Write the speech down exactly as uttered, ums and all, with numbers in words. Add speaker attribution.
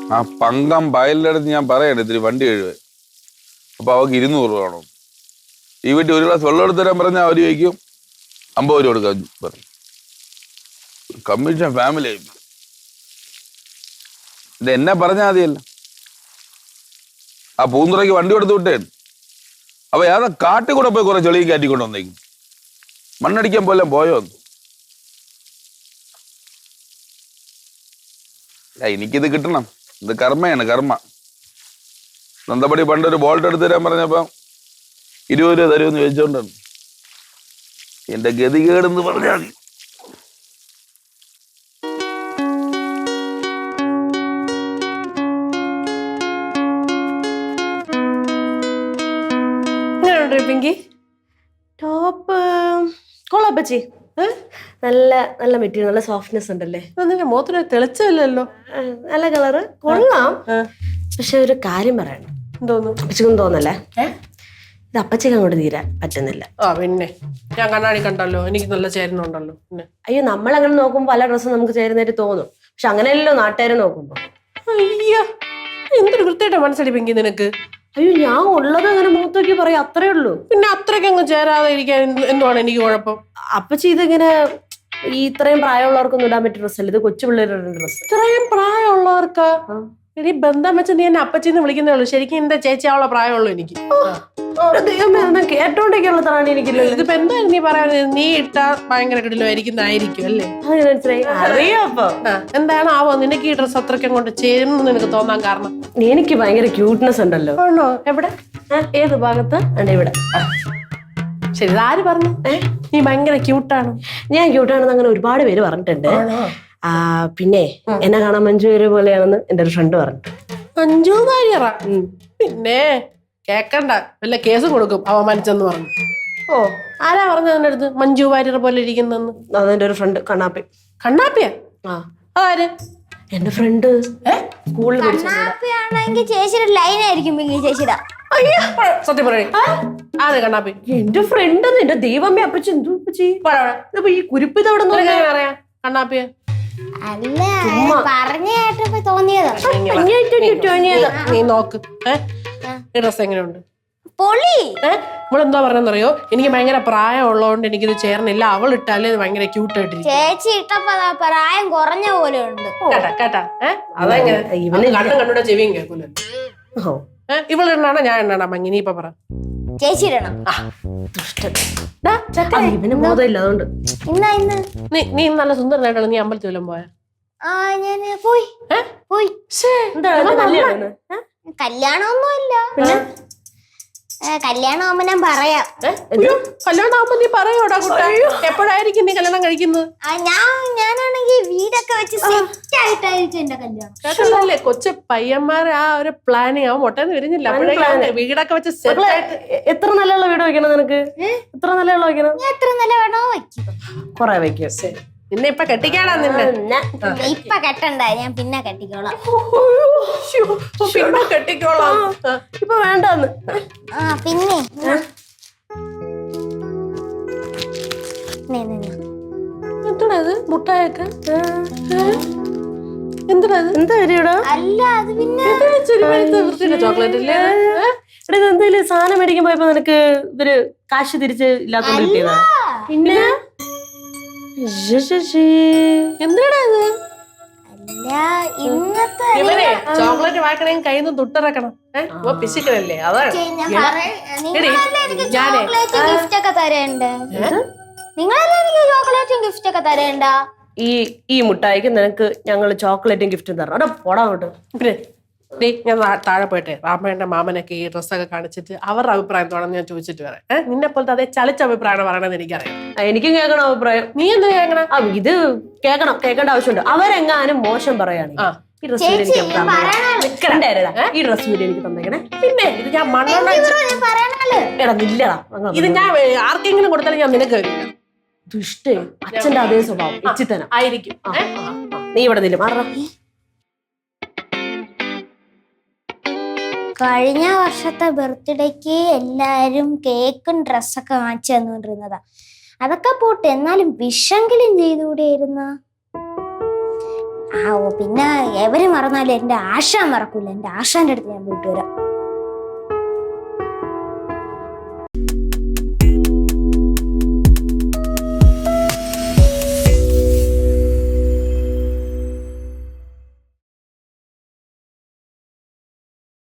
Speaker 1: ആ പങ്കം വയലിൻ്റെ അടുത്ത് ഞാൻ പറയണേ ഇത്തിരി വണ്ടി കഴിവേ. അപ്പൊ അവർക്ക് ഇരുന്നൂറ് വേണം. ഈ വീട്ടിൽ ഒരു ഗ്ലാസ് വെള്ളം എടുത്ത് തരാൻ പറഞ്ഞാൽ അവർ ചോദിക്കും അമ്പത് രൂപ കൊടുക്കാൻ പറഞ്ഞു. കമ്മീഷൻ ഫാമിലി ആയി. ഇത് എന്നെ പറഞ്ഞാൽ മതിയല്ല. ആ പൂന്തുറയ്ക്ക് വണ്ടി കൊടുത്ത് വിട്ടേ. അപ്പൊ ഏതാ കാട്ടിൽ കൂടെ പോയി കുറെ ചെളിയും കയറ്റിക്കൊണ്ട് വന്നേക്കും. മണ്ണടിക്കാൻ പോലെ പോയോ? എനിക്കിത് കിട്ടണം. ഇത് കർമ്മയാണ്, കർമ്മ. നന്ദപടി പണ്ടൊരു ബോൾട്ട് എടുത്ത് തരാൻ പറഞ്ഞപ്പോ ഇരുപത് രൂപ തരുമെന്ന് ചോദിച്ചോണ്ടാണ്. എന്റെ ഗതികേടെന്ന് പറഞ്ഞാൽ മതി.
Speaker 2: ടോപ്പ് കൊള്ളാപ്പച്ചി, നല്ല നല്ല മെറ്റീരിയൽ, നല്ല സോഫ്റ്റ്നെസ് ഉണ്ടല്ലേ.
Speaker 3: നിന്റെ മുഖത്തിന് തെളിച്ചല്ലോ.
Speaker 2: നല്ല കളറ് കൊള്ളാം. പക്ഷെ ഒരു കാര്യം പറയണം.
Speaker 3: എന്തോന്നു?
Speaker 2: അപ്പച്ചിക്കൊന്നും തോന്നല്ലേ, ഇത് അപ്പച്ചിക്ക് അങ്ങോട്ട് തീരാൻ പറ്റുന്നില്ല.
Speaker 3: ആ പിന്നെ ഞാൻ കണ്ണാടി കണ്ടല്ലോ, എനിക്ക് നല്ല ചേരുന്നുണ്ടല്ലോ. പിന്നെ
Speaker 2: അയ്യോ, നമ്മളങ്ങനെ നോക്കുമ്പോ പല ഡ്രസ്സും നമുക്ക് ചേരുന്നതായിട്ട് തോന്നും. പക്ഷെ അങ്ങനെയല്ലോ നാട്ടുകാരെ നോക്കുമ്പോ.
Speaker 3: അയ്യോ, എന്തൊരു വൃത്തിയായിട്ടാ മനസ്സടിപ്പെങ്കിൽ നിനക്ക്.
Speaker 2: അയ്യോ, ഞാൻ ഉള്ളത് അങ്ങനെ മുഖത്ത് നോക്കി പറയാം, അത്രേ ഉള്ളൂ.
Speaker 3: പിന്നെ അത്രയ്ക്ക് അങ്ങ് ചേരാതെ ഇരിക്കാൻ എന്തുവാണ് എനിക്ക് കുഴപ്പം?
Speaker 2: അപ്പച്ചി ഇതിങ്ങനെ ഈ ഇത്രയും പ്രായമുള്ളവർക്കൊന്നും ഇടാൻ പറ്റിയ ഡ്രസ്സല്ല, ഇത് കൊച്ചു പിള്ളേരുടെ ഡ്രസ്സ്.
Speaker 3: ഇത്രയും പ്രായമുള്ളവർക്കാ? ഇനി ബന്ധം വെച്ച് നീ എന്നെ അപ്പച്ചിന്ന് വിളിക്കുന്നേ ഉള്ളൂ. ശരിക്കും എന്റെ ചേച്ചി അവളെ പ്രായമുള്ളൂ എനിക്ക്.
Speaker 2: കേട്ടോണ്ടൊക്കെയുള്ള ത്രാണി എനിക്കില്ല.
Speaker 3: ഇതിപ്പോ എന്തായാലും നീ പറയാ, നീ ഇട്ടാ ഭയങ്കര കിടിലുമായിരിക്കുന്നതായിരിക്കും അല്ലേ?
Speaker 2: അറിയാപ്പോ
Speaker 3: എന്താണ് ആവോ നിനക്ക് ഈ ഡ്രസ് അത്രയ്ക്ക് അങ്ങോട്ട് ചേരുന്നു നിനക്ക് തോന്നാൻ കാരണം?
Speaker 2: എനിക്ക് ഭയങ്കര ക്യൂട്ട്നെസ് ഉണ്ടല്ലോ.
Speaker 3: ആണോ? എവിടെ? ഏത് ഭാഗത്ത്?
Speaker 2: ഇവിടെ.
Speaker 3: ശരി, ഇതാര് പറഞ്ഞു നീ ഭയങ്കര ക്യൂട്ടാണ്?
Speaker 2: ഞാൻ ക്യൂട്ടാണെന്ന് അങ്ങനെ ഒരുപാട് പേര് പറഞ്ഞിട്ടുണ്ട്. ആ പിന്നെ എന്നെ കാണാൻ മഞ്ജു വാര്യർ പോലെയാണെന്ന് എന്റെ ഒരു ഫ്രണ്ട് പറഞ്ഞു.
Speaker 3: മഞ്ജു വാര്യറാ? പിന്നെ കേക്കണ്ട, വല്ല കേസ് കൊടുക്കും അവമാനിച്ചെന്ന് പറഞ്ഞു. ഓ, ആരാ പറഞ്ഞത് എന്റെ അടുത്ത് മഞ്ജു വാര്യർ പോലെ ഇരിക്കുന്നെന്ന്?
Speaker 2: അതെന്റെ ഒരു ഫ്രണ്ട് കണ്ണാപ്പി.
Speaker 3: കണ്ണാപ്പിയാ?
Speaker 2: ആ,
Speaker 3: ആര്?
Speaker 2: എന്റെ ഫ്രണ്ട് സ്കൂളിൽ
Speaker 4: കണ്ണാപ്പിയാണെങ്കിൽ ചേച്ചിയുടെ ലൈൻ ആയിരിക്കും ചേച്ചിയുടെ.
Speaker 3: സത്യം പറയേ, ആര് കണ്ണാപ്പി?
Speaker 2: എന്റെ ഫ്രണ്ട്. എന്റെ ദൈവമേ, അപ്പച്ചി എന്തോ അപ്പച്ചി ഈ കുരിപ്പ് ഇതവിടെ
Speaker 3: അറിയാം കണ്ണാപ്പിയെ?
Speaker 4: അല്ല, പറഞ്ഞു കേട്ടപ്പോ തോന്നിയതാ.
Speaker 3: നീ നോക്ക്, ഈ ഡ്രസ് എങ്ങനെയുണ്ട്?
Speaker 4: പൊളി.
Speaker 3: ഏഹ് ഇവളെന്താ പറഞ്ഞെന്നറിയോ? എനിക്ക് ഭയങ്കര പ്രായം ഉള്ളതുകൊണ്ട് എനിക്കിത് ചേർന്നില്ല, അവൾ ഇട്ടാലേ ഇത് ഭയങ്കര ക്യൂട്ട് ആയിട്ടിരിക്കും.
Speaker 4: ചേച്ചി ഇട്ടപ്പോ പ്രായം കുറഞ്ഞ പോലെ ഉണ്ട്.
Speaker 3: കേട്ടാ കേട്ടാ ഏഹ് അതെങ്ങനെ ഇവന് കണ്ണും കണ്ണൂടെ ചെവിയും കേൾക്കൂല. ഏഹ് ഇവളിടണാണോ ഞാൻ ഇടണോ ഭംഗി? നീ ഇപ്പൊ പറ.
Speaker 4: ചേച്ചി ഇടണം.
Speaker 2: ഇവന് ബോധമില്ല, അതുകൊണ്ട്.
Speaker 4: ഇന്നാ ഇന്ന്
Speaker 3: നീ നീ നല്ല സുന്ദരനായിട്ടാണ്. നീ അമ്പലത്തിൽ വല്ലതും പോയാ?
Speaker 4: ആ ഞാൻ പോയി പോയി. കല്യാണമൊന്നുമില്ല. കല്യാണം ആവുമ്പോ ഞാൻ പറയാം.
Speaker 3: കല്യാണം ആവുമ്പോ നീ പറയോടാ കുട്ടാ? എപ്പോഴായിരിക്കും നീ കല്യാണം കഴിക്കുന്നത്?
Speaker 4: ഞാൻ ഞാനാണെങ്കിൽ വീടൊക്കെ വെച്ച് സെറ്റ് ആയിട്ടായിരിക്കും എന്റെ കല്യാണം.
Speaker 3: അല്ലേ കൊച്ചു പയ്യന്മാരെ ആ ഒരു പ്ലാനിങ് ആവും ഒട്ടേന്ന് വരുന്നില്ല. അപ്പോഴേക്കും വീടൊക്കെ വെച്ച് സെറ്റ് ആയിട്ട്.
Speaker 2: എത്ര നിലയുള്ള വീട് വെക്കണം നിനക്ക്? എത്ര നിലയുള്ള വെക്കണം?
Speaker 4: എത്ര നില വേണോ വെക്കും.
Speaker 2: കൊറേ വെക്കും.
Speaker 3: ശരി, നിന്നെ ഇപ്പൊ കെട്ടിക്കാടാ. നിന്നെ
Speaker 4: ഇപ്പൊ കെട്ടണ്ട, ഞാൻ പിന്നെ കെട്ടിക്കോളാം.
Speaker 3: പിന്നെ കെട്ടിക്കോളാം.
Speaker 2: ഇപ്പൊ വേണ്ടെന്ന്.
Speaker 4: ആ പിന്നെ
Speaker 3: എന്താണ് മുട്ടായൊക്കെ? എന്താണ്
Speaker 2: എന്താ കാര്യടാ?
Speaker 4: അല്ല, അത് പിന്നെ
Speaker 3: ചോക്ലേറ്റ് ഇല്ലേ?
Speaker 2: എന്തെങ്കിലും സാധനം മേടിക്കാൻ പോയപ്പോ നിനക്ക് ഇവര് കാശ് തിരിച്ച് ഇല്ലാത്തോണ്ട് കിട്ടിയതാ?
Speaker 3: പിന്നെ എന്താണ് ഇത്?
Speaker 4: അല്ല, ഇന്നത്തെ
Speaker 3: ചോക്ലേറ്റ് വാങ്ങണമെങ്കിൽ കയ്യിൽ നിന്ന് തുട്ടിറക്കണം. ഏഹ് പിശുക്കലല്ലേ? അതാണ്
Speaker 4: ചോക്ലേറ്റ് ഗിഫ്റ്റ് ഒക്കെ തരേണ്ട. നിങ്ങളല്ലേ എനിക്ക് ചോക്ലേറ്റും ഗിഫ്റ്റ് ഒക്കെ തരേണ്ട.
Speaker 2: ഈ ഈ മുട്ടായിക്ക് നിനക്ക് ഞങ്ങള് ചോക്ലേറ്റും ഗിഫ്റ്റും തരണം. അവിടെ പോടാ അങ്ങോട്ട്.
Speaker 3: പിന്നെ ഡേ ഞാൻ താഴെ പോയിട്ടെ റാമേന്റെ മാമനൊക്കെ ഈ ഡ്രസ്സൊക്കെ കാണിച്ചിട്ട് അവരുടെ അഭിപ്രായം തോന്നുന്നു ഞാൻ ചോദിച്ചിട്ട് വരാം. ഏഹ് നിന്നെ പോലത്തെ അതേ ചളിച്ച അഭിപ്രായമാണ് പറയണമെന്ന് എനിക്കറിയാം.
Speaker 2: എനിക്കും കേൾക്കണം അഭിപ്രായം.
Speaker 3: നീ എന്താ കേൾക്കണം?
Speaker 2: ആ ഇത് കേൾക്കണം, കേൾക്കേണ്ട ആവശ്യമുണ്ട്. അവരെങ്ങാനും മോശം പറയുകയാണ് ഈ ഡ്രസ് എനിക്ക് ഈ ഡ്രസ് വീഡിയോ എനിക്ക് തന്നേക്കണേ.
Speaker 3: പിന്നെ ഇത് ഞാൻ മണ്ണെണ്ണ
Speaker 2: എടാ നില്ലടാ,
Speaker 3: ഇത് ഞാൻ ആർക്കെങ്കിലും കൊടുത്താലും ഞാൻ നിനക്ക് വരില്ല.
Speaker 2: ദുഷ്ടേ, അച്ഛന്റെ അതേ സ്വഭാവം ഇച്ചിത്തനം
Speaker 3: ആയിരിക്കും.
Speaker 2: നീ ഇവിടെ നില്ല മാറ.
Speaker 4: കഴിഞ്ഞ വർഷത്തെ ബർത്ത്ഡേക്ക് എല്ലാരും കേക്കും ഡ്രസ്സൊക്കെ വാങ്ങിച്ചു തന്നുകൊണ്ടിരുന്നതാ. അതൊക്കെ പോട്ടെ, എന്നാലും വിഷെങ്കിലും ചെയ്തുകൂടിയായിരുന്ന. ആ ഓ പിന്നെ എവര് മറന്നാലും എന്റെ ആശാൻ മറക്കൂല. എന്റെ ആശാന്റെ അടുത്ത് ഞാൻ പോയിട്ട് വരാം.